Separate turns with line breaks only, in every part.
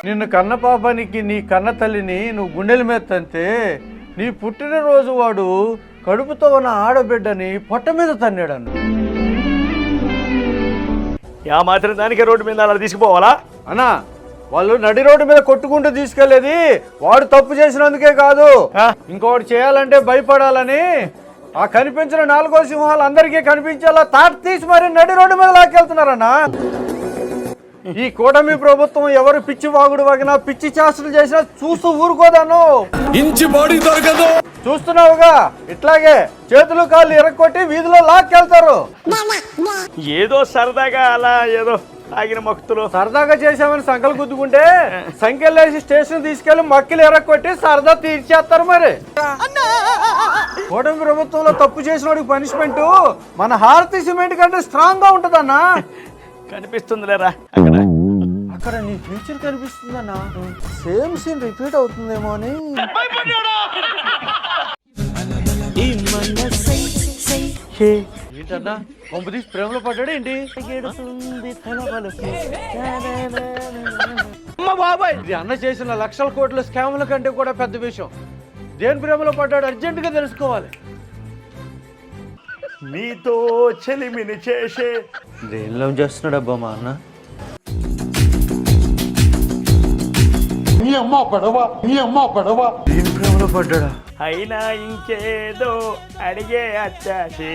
నిన్ను కన్న పాపానికి నీ కన్న తల్లిని నువ్వు గుండెల మీద తంతే నీ పుట్టినరోజు వాడు కడుపుతో ఉన్న ఆడబిడ్డని పొట్ట మీద తన్నాడన్న.
యా మాత్రం దానికి రోడ్డు మీద అలా తీసుకుపోవాలా
అన్నా? వాళ్ళు నడి రోడ్డు మీద కొట్టుకుంటూ తీసుకెళ్లేది వాడు తప్పు చేసినందుకే కాదు, ఇంకోటి చేయాలంటే భయపడాలని ఆ కనిపించిన 4వ సింహాలు అందరికీ కనిపించేలా తాట తీసి మరి నడి రోడ్డు మీద లాక్కెళ్తున్నారన్నా. ఈ కూటమి ప్రభుత్వం ఎవరు పిచ్చి వాగుడు వాగినా పిచ్చి చేష్టలు చేసినా చూస్తూ ఊరుకోదాను.
ఇంచి బాడీ దొరకదు.
చూస్తున్నావుగా, ఇట్లాగే చేతులు కాళ్ళు ఇరక్కొట్టి వీధిలో లాక్కెళ్తారు.
ఏదో సరదాగా అలా ఏదో ఆగిన మొక్కుతులు
సరదాగా చేసామని సంకలు గుద్దుకుంటే సంఖ్యలేసి స్టేషన్ తీసుకెళ్లి మక్కిలు ఎరక్కొట్టి సరదా తీర్చేస్తారు. మరి కూటమి ప్రభుత్వంలో తప్పు చేసిన వాడికి పనిష్మెంట్ మన హారతి సిమెంట్ కంటే స్ట్రాంగ్ గా ఉంటదన్నా.
కనిపిస్తుంది లేరా
అక్కడ నీ ఫ్యూచర్ కనిపిస్తుందన్నా. సేమ్ సీన్ రిపీట్ అవుతుందేమో అని. ఏంటన్నా కొంప తీసి ప్రేమలో పడ్డాడు ఏంటి? బాబాయ్, ఇది అన్న చేసిన లక్షల కోట్ల స్కాముల కంటే కూడా పెద్ద విషయం. దేని ప్రేమలో పడ్డాడు అర్జెంటుగా తెలుసుకోవాలి.
నీతో చెలిమిని చేసే
దేనిలో చేస్తున్నాడు అబ్బా మా అన్న? దీని ప్రేమలో పడ్డాడా?
అయినా ఇంకేదో అడిగే అచ్చాసే.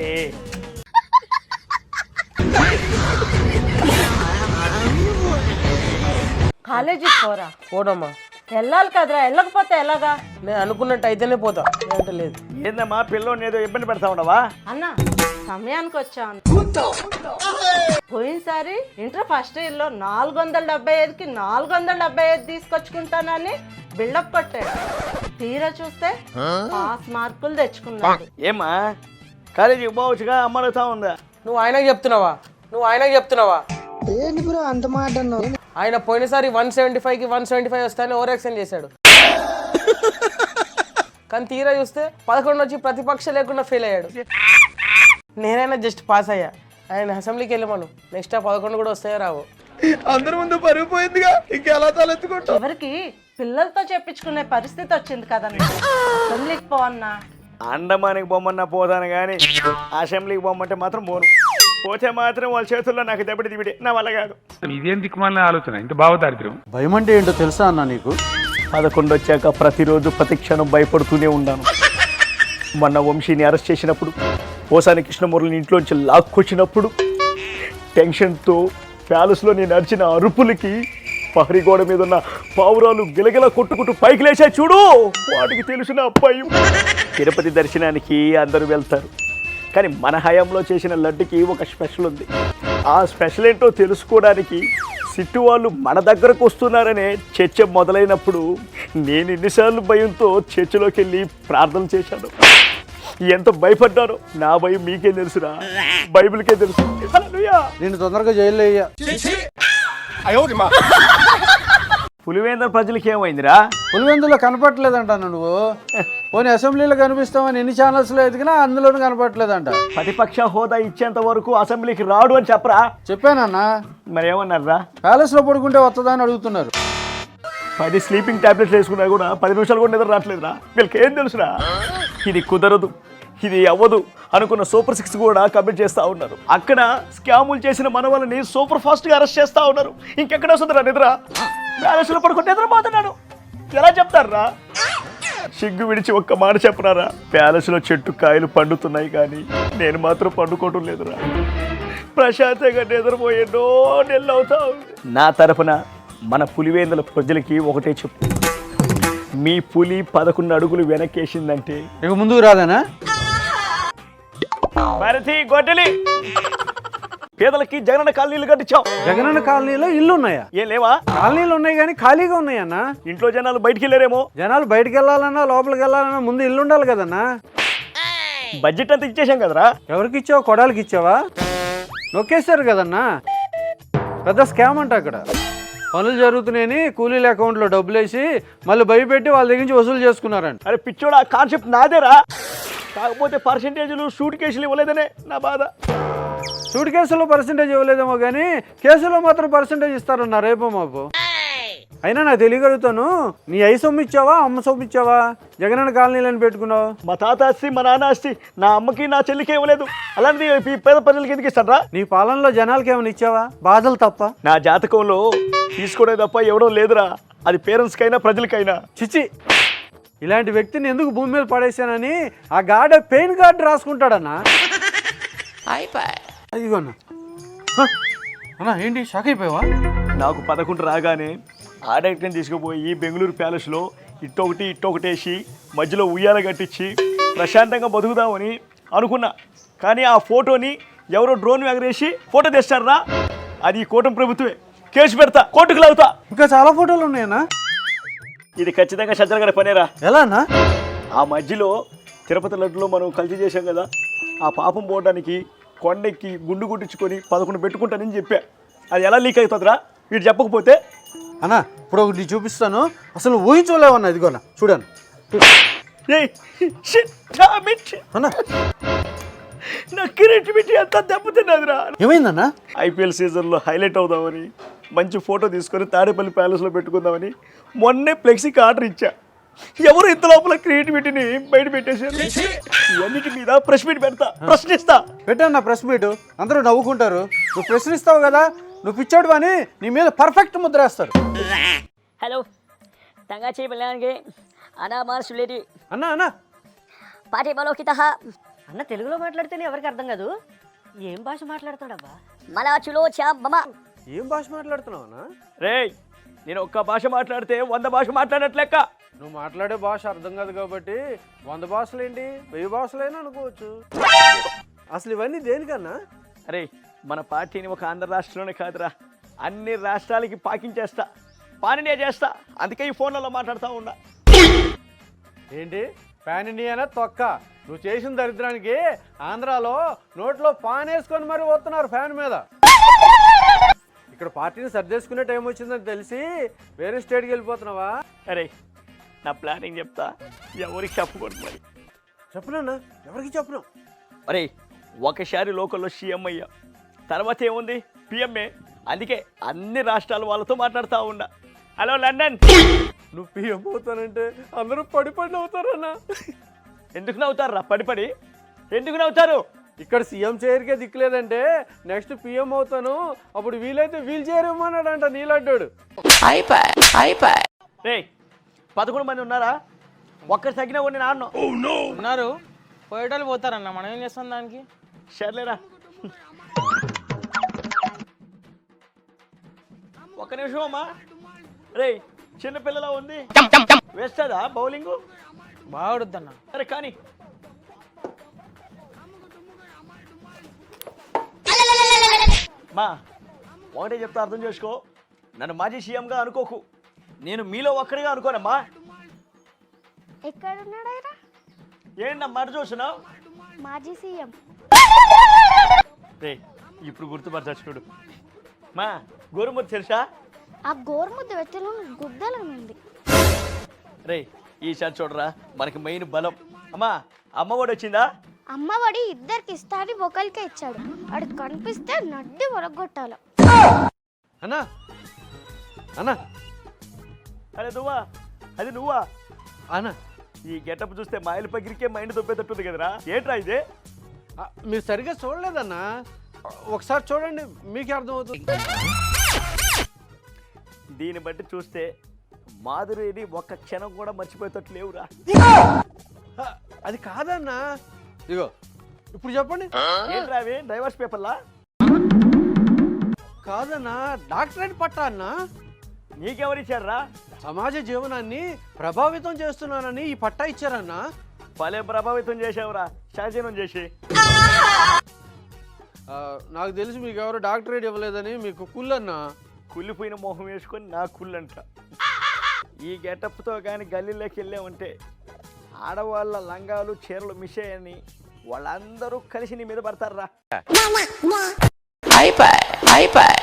కాలేజీకి పోడమ్మా. వెళ్ళాలి కదరా, వెళ్ళకపోతే ఎలాగా?
నేను అనుకున్నట్టు అయితేనే పోతా, అంటే లేదు.
ఏందమ్మా పిల్లోని ఏదో ఇబ్బంది పెడతా ఉండవా?
అన్న సమయానికి వచ్చాను. పోయినసారి ఇంటర్ ఫస్ట్ ఇయర్ లో 475కి 475 తీసుకొచ్చుకుంటానని బిల్డప్ కొట్టాడు. తీరా చూస్తే పాస్ మార్కులు తెచ్చుకున్నాడు.
ఏమా కాలేజీకి పోవచ్చుగా అమ్మడుతా ఉందా?
నువ్వు ఆయనకు చెప్తున్నావా?
ఏంటి బ్రో అంత మాట అన్నావు?
ఆయన పోయినసారి 175కి 175 వస్తాయని ఓవర్ యాక్షన్ చేశాడు. కానీ తీరా చూస్తే 11 వచ్చి ప్రతిపక్ష లేకుండా ఫెయిల్ అయ్యాడు. నేనైనా జస్ట్ పాస్ అయ్యా. ఆయన అసెంబ్లీకి వెళ్ళమను, నెక్స్ట్ 11 కూడా వస్తాయో రావు.
అందరి ముందు పరుగుపోయిందిగా, ఇంకెలా తలెత్తుకుంటా?
ఎవరికి పిల్లలతో చెప్పించుకునే పరిస్థితి వచ్చింది కదన్నా. అసెంబ్లీకి పోవన్నా.
అండమానికి బొమ్మన్నా పోతాను కానీ అసెంబ్లీకి బొమ్మంటే మాత్రం పోను. పోతే మాత్రం వాళ్ళ చేతుల్లో నాకు దెబ్బటి దిబిడి, నా వల్ల కాదు.
ఇదేం దిక్కుమాలిన ఆలోచన, ఇంత భావదారిద్ర్యం.
భయం అంటే ఏంటో తెలుసా అన్న నీకు?
11 వచ్చాక ప్రతిరోజు ప్రతి క్షణం భయపడుతూనే ఉన్నాను. మొన్న వంశీని అరెస్ట్ చేసినప్పుడు, పోసాని కృష్ణమూర్తిని ఇంట్లోంచి లాక్కొచ్చినప్పుడు, టెన్షన్తో ప్యాలెస్లో నేను నడిచిన అరుపులకి పహరీ గోడ మీద ఉన్న పావురాలు గిలగిల కొట్టుకుంటూ పైకి లేచాయి చూడు, వాటికి తెలిసిన అబ్బాయి. తిరుపతి దర్శనానికి అందరూ వెళ్తారు, కానీ మన హయాంలో చేసిన లడ్డుకి ఒక స్పెషల్ ఉంది. ఆ స్పెషల్ ఏంటో తెలుసుకోవడానికి సిట్టు వాళ్ళు మన దగ్గరకు వస్తున్నారనే చర్చ మొదలైనప్పుడు నేను ఎన్నిసార్లు భయంతో చర్చిలోకి వెళ్ళి ప్రార్థన చేశాను. ఎంత భయపడ్డానో నా భయం మీకే తెలుసురా, బైబిల్కే తెలుసు.
నేను తొందరగా జైల్లో అయ్యా.
పులివేంద్ర ప్రజలకి ఏమైందిరా?
పులివెందులో కనపట్లేదంట నువ్వు. పోనీ అసెంబ్లీలో కనిపిస్తామని ఎన్ని ఛానల్స్లో ఎదిగినా అందులోనూ కనపట్లేదంట.
ప్రతిపక్ష హోదా ఇచ్చేంత వరకు అసెంబ్లీకి రాడు అని చెప్పరా?
చెప్పానన్నా.
మరి ఏమన్నారా?
ప్యాలెస్లో పడుకుంటే వస్తుందా అని అడుగుతున్నారు.
10 స్లీపింగ్ టాబ్లెట్స్ వేసుకున్నా కూడా 10 నిమిషాలు కూడా నిద్ర రావట్లేదురా. వీళ్ళకి ఏం తెలుసురా? ఇది కుదరదు, ఇది అవ్వదు అనుకున్న సూపర్ 6 కూడా కమిట్ చేస్తూ ఉన్నారు. అక్కడ స్కాములు చేసిన మన వాళ్ళని సూపర్ ఫాస్ట్గా అరెస్ట్ చేస్తూ ఉన్నారు. ఇంకెక్కడ వస్తుందిరా నిద్ర? ప్యాలెస్లో పడుకుంటే నిద్రపోతున్నాడు, ఎలా చెప్తారా? సిగ్గు విడిచి ఒక్క మాట చెప్పరారా? ప్యాలెస్లో చెట్టు కాయలు పండుతున్నాయి కానీ నేను మాత్రం పండుకోవటం లేదురా. ప్రశాంతంగా నిద్రపోయేటో నెల అవుతా ఉంది. నా తరఫున మన పులివేందుల ప్రజలకి ఒకటే చెప్పు, మీ పులి 11 అడుగులు వెనకేసిందంటే
ఇక ముందుకు రాదనా?
భారతి గొడ్డలి పేదలకి జగనన్న కాలనీలు కట్టించాం.
జగనన్న కాలనీలో ఇల్లు ఉన్నాయా?
ఏం లేవా?
కాలనీలు ఉన్నాయి కానీ ఖాళీగా ఉన్నాయన్నా.
ఇంట్లో జనాలు బయటికి వెళ్ళారేమో.
జనాలు బయటకు వెళ్ళాలన్నా లోపలికి వెళ్ళాలన్నా ముందు ఇల్లు ఉండాలి కదన్నా.
బడ్జెట్ అంతా ఇచ్చేసాం కదరా.
ఎవరికి ఇచ్చావా? కొడాలకి ఇచ్చావా? నొక్కేశారు కదన్నా. పెద్ద స్కామ్ అంట. అక్కడ పనులు జరుగుతున్నాయని కూలీల అకౌంట్లో డబ్బులు వేసి మళ్ళీ భయపెట్టి వాళ్ళ దగ్గర నుంచి వసూలు చేసుకున్నారంట.
అరే పిచ్చోడా, కాన్సెప్ట్ నాదేరా. కాకపోతే పర్సెంటేజ్లు సూట్ కేసులు ఇవ్వలేదనే నా బాధ.
సూట్ కేసులో పర్సెంటేజ్ ఇవ్వలేదేమో కానీ కేసులో మాత్రం పర్సెంటేజ్ ఇస్తారన్నా రేపో మాపు. అయినా నాకు తెలియగలుగుతాను, నీ అయ్యి సొమ్ము ఇచ్చావా అమ్మ సొమ్ము ఇచ్చావా జగనన్న కాలనీలని పెట్టుకున్నావు?
మా తాత ఆస్తి మా నాన్న ఆస్తి నా అమ్మకి నా చెల్లికి ఇవ్వలేదు, అలాంటిది ఈ పేద ప్రజలకి ఎందుకు ఇస్తారా?
నీ పాలనలో జనాలకి ఏమైనా ఇచ్చావా? బాధలు తప్ప.
నా జాతకంలో తీసుకోవడం తప్ప ఇవ్వడం లేదురా, అది పేరెంట్స్కైనా ప్రజలకైనా.
చిచి, ఇలాంటి వ్యక్తిని ఎందుకు భూమి మీద పడేసానని ఆ గాడ పెయిన్ కార్డు రాసుకుంటాడన్నా. అదిగోన్నా అన్నా, ఏంటి షాక్ అయిపోయావా?
నాకు 11 రాగానే ఆడక్టని తీసుకుపోయి బెంగళూరు ప్యాలెస్లో ఇట్టొకటి వేసి మధ్యలో ఉయ్యాల కట్టించి ప్రశాంతంగా బతుకుదామని అనుకున్నా. కానీ ఆ ఫోటోని ఎవరో డ్రోన్ ఎగరేసి ఫోటో తెస్తారా, అది కూటమి ప్రభుత్వమే. కేసు పెడతా, కోర్టుకు లాగుతా.
ఇంకా చాలా ఫోటోలు ఉన్నాయన్నా.
ఇది ఖచ్చితంగా సజ్జల గారి పనేరా.
ఎలా అన్నా?
ఆ మధ్యలో తిరుపతి లడ్డులో మనం కలిసి చేశాం కదా, ఆ పాపం పోవడానికి కొండెక్కి గుండు గుట్టించుకొని 11 పెట్టుకుంటానని చెప్పా. అది ఎలా లీక్ అవుతుందిరా వీడు చెప్పకపోతే?
అన్నా ఇప్పుడు ఒకటి చూపిస్తాను, అసలు ఊహించలేవన్నా. ఇదిగోనా చూడండి. అన్నా
నా క్రియేటివిటీ అంతా దెబ్బతిన్నదిరా.
ఏమైందన్నా?
ఐపీఎల్ సీజన్లో హైలైట్ అవుదామని మంచి ఫోటో తీసుకొని తాడేపల్లి ప్యాలెస్లో పెట్టుకుందామని మొన్నే ఫ్లెక్సీకి ఆర్డర్ ఇచ్చా. ఎవరు ఇంత లోపల క్రియేటివిటీని బయట పెట్టేశారు. ఇవన్నిటి మీద ప్రెస్ మీట్ పెడతా, ప్రశ్నిస్తా.
పెట్టన్నా ప్రెస్ మీట్, అందరూ నవ్వుకుంటారు. నువ్వు ప్రశ్నిస్తావు కదా, నువ్వు పిచ్చాడు అని నీ మీద పర్ఫెక్ట్ ముద్ర వేస్తారు.
హలో తంగాచి పిల్లగానికి అనామార్ సులేటి
అన్నా అన్నా
పాటి బలోకిత
అన్న తెలుగులో మాట్లాడితేనే ఎవరికి అర్థం కాదు, ఏం భాష మాట్లాడతాడబ్బా?
మలాచులో చా మమ.
ఏం భాష మాట్లాడుతున్నావు అన్నా?
రేయ్, నేను ఒక్క భాష మాట్లాడితే 100 భాష మాట్లాడట్లెక్క.
నువ్వు మాట్లాడే భాష అర్థం కాదు కాబట్టి 100 భాషలు ఏంటి 1000 భాషలైనా అనుకోవచ్చు. అసలు ఇవన్నీ దేనికన్నా?
అరే, మన పార్టీని ఒక ఆంధ్ర రాష్ట్రంలోనే కాదురా, అన్ని రాష్ట్రాలకి పాకించేస్తా, పానినే చేస్తా. అందుకే ఈ ఫోన్లలో మాట్లాడుతూ ఉన్నా.
ఏంటి పాన్ ఇండియానా తొక్క? నువ్వు చేసిన దరిద్రానికి ఆంధ్రాలో నోట్లో పాన్ వేసుకొని మరి పోతున్నారు ఫ్యాన్ మీద. ఇక్కడ పార్టీని సర్దేసుకునే టైం వచ్చిందని తెలిసి వేరే స్టేట్కి వెళ్ళిపోతున్నావా?
అరే, నా ప్లానింగ్ చెప్తా, ఎవరికి చెప్పకూడదు. మరి
చెప్పనన్నా, ఎవరికి చెప్పను.
అరే, ఒకసారి లోకల్లో సీఎం అయ్యా, తర్వాత ఏముంది పిఎంఏ. అందుకే అన్ని రాష్ట్రాల వాళ్ళతో మాట్లాడుతూ ఉన్నా. హలో లండన్,
నువ్వు పిఎం అవుతానంటే అందరూ పడి నవ్వుతారన్నా.
ఎందుకు నవ్వుతారు? పడిపడి ఎందుకు నవ్వుతారు?
ఇక్కడ సీఎం చైర్కే దిక్కులేదంటే నెక్స్ట్ పిఎం అవుతాను, అప్పుడు వీలైతే వీల్ చైర్ ఇవ్వమన్నాడంట నీలాడ్డాడు.
రే, 11 మంది ఉన్నారా? ఒక్కరు తగ్గినా కొన్ని నాన్న
ఉన్నారు, పోయేటోళ్ళు పోతారన్న, మనం ఏం చేస్తాం దానికి?
సర్లేరా, ఒక్క నిమిషం అమ్మా. రే, చిన్నపిల్లలా ఉంది, వేస్తుందా బౌలింగ్?
బాగుడుద్దన్న.
అరే కానీ మా ఒకటే చెప్తా, అర్థం చేసుకో. నన్ను మాజీ సీఎంగా అనుకోకు, నేను మీలో ఒక్కడిగా అనుకోనమ్మా.
ఎక్కడున్నాడైనా
ఏంటి నా మాట చూస్తున్నావు?
మాజీ సీఎం.
రే, ఇప్పుడు గుర్తుపరచు చూడు. మా గోరుముద్ద తెలుసా?
ఆ గోరుముద్ద వెచ్చలో గుద్దలు ఉంది.
రే, ఈసారి చూడరా, మనకి మెయిన్ బలం. అమ్మా, అమ్మఒడి వచ్చిందా?
అమ్మఒడి ఇద్దరికి ఇస్తాని ఒకరికే ఇచ్చాడు, వాడు కనిపిస్తే నడ్డి ఒరగొట్టాల.
అన్నా అన్నా
అరే నువ్వా? అది నువ్వా?
అన్నా
ఈ గెటప్ చూస్తే మాయలు పగిరికే మైండ్ దొబ్బేటట్టుంది కదరా. ఏంట్రా ఇది?
మీరు సరిగ్గా చూడలేదన్నా, ఒకసారి చూడండి మీకే అర్థమవుతుంది.
దీన్ని బట్టి చూస్తే మాధురిని ఒక్క క్షణం కూడా మర్చిపోయేటట్టు లేవురా.
అది కాదన్నా, ఇగో ఇప్పుడు చెప్పండి.
ఏంట్రా అవి డైవర్స్ పేపర్లా?
కాదన్నా, డాక్టరేట్ పట్టా అన్నా.
నీకెవరిచ్చారా?
సమాజ జీవనాన్ని ప్రభావితం చేస్తున్నానని ఈ పట్టా ఇచ్చారన్నా.
భలే ప్రభావితం చేసావురా, శాసనం చేసి.
నాకు తెలిసి మీకు ఎవరు డాక్టరేట్ ఇవ్వలేదని మీకు కుళ్ళన్నా.
కుళ్ళిపోయిన మొహం వేసుకొని నా కుళ్ళంట. ఈ గెటప్తో కానీ గల్లీలోకి వెళ్ళామంటే ఆడవాళ్ళ లంగాలు చీరలు మిస్ అయ్యని వాళ్ళందరూ కలిసి నీ మీద పడతారా.